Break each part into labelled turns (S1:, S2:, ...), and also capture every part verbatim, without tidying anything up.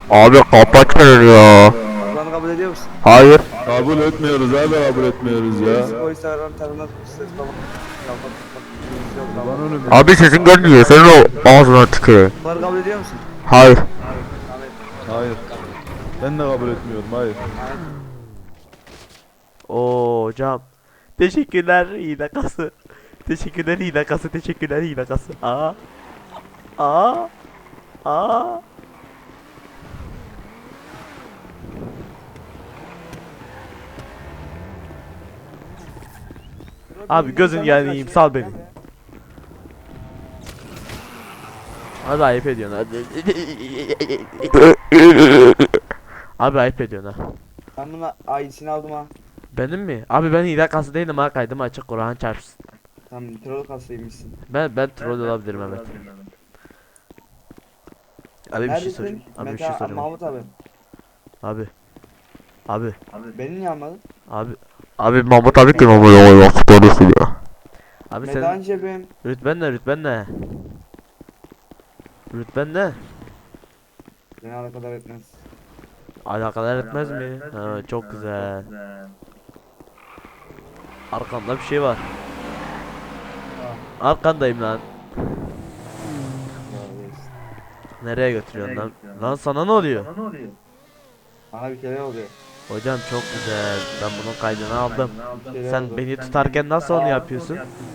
S1: Abi kapatın ya.
S2: Kur'an'ı kabul ediyor musun?
S1: Hayır.
S3: Kabul etmiyoruz abi, kabul etmiyoruz ya.
S2: O Instagram tarafından ses baba. Kapat kapat. Yok
S3: Lan
S2: tamam.
S3: önüm.
S1: Abi sesin gelmiyor. Senin o ağzına tüküreyim.
S2: Kur'an'ı kabul ediyor musun?
S1: Hayır.
S2: Ahmet.
S3: Hayır. Ben de kabul etmiyorum, hayır.
S4: Oo hocam. Teşekkürler hile kası. Teşekkürler hile kası. Teşekkürler hile kası. Aa. Aa. Aa. Abi gözün yanayım, sal beni. Abi ayıp ediyorsun hadi. Abi ayıp ediyorsun ha.
S2: Ben buna ailesini aldım ha.
S4: Benim mi? Abi ben hile kası değilim ha, kaydım açık, Kur'an çarpsın.
S2: Tamam troll kasaymışsın.
S4: Ben ben troll olabilirim, evet. Abi bir şey sorayım.
S2: Neredesin?
S4: Abi bir
S2: Mete
S4: şey
S2: abi,
S4: sorayım.
S2: Mahmut abi.
S4: Abi. Abi.
S2: Beni niye almadın?
S4: Abi.
S1: Abi Mahmut abi kim ama ya? Nasıl konuşuyor ya?
S4: Abi
S2: Medan
S4: sen
S2: cebim.
S4: rütben ne, rütben ne? Rütben ne?
S2: Beni alakadar etmez.
S4: Alakadar etmez mi? Ha, çok güzel. Arkamda bir şey var. Arkandayım lan. Nereye götürüyorsun lan? Lan sana ne oluyor?
S2: Bana bir kere oluyor.
S4: Hocam çok güzel. Ben bunun kaydını aldım.
S2: Bir kere
S4: Sen
S2: oldu.
S4: beni tutarken nasıl onu yapıyorsun?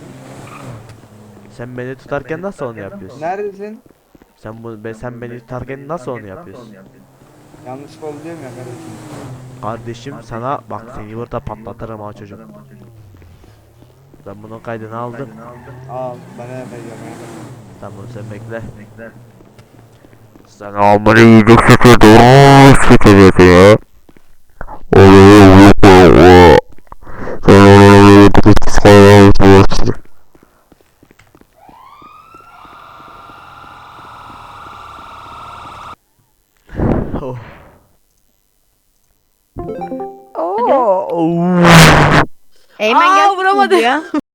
S4: Sen beni tutarken nasıl onu yapıyorsun?
S2: Neredesin?
S4: Sen bu be sen beni tutarken nasıl onu yapıyorsun?
S2: Yanlışlıkla oldu diyorum ya kardeşim.
S4: Kardeşim sana bak, seni burada patlatırım ha çocuk. Ben bunun kaydını aldım.
S2: Al ben ne yapacağım ya.
S4: Tamam sen bekle.
S1: Sen amına yiyecek sütü doğru sütü ya. Oğlum yok ya. Sen onu yiyecek sütü.
S4: Oh. Oh.
S5: Eymen
S6: Aa,
S5: gel
S6: vuramadı.
S5: ya.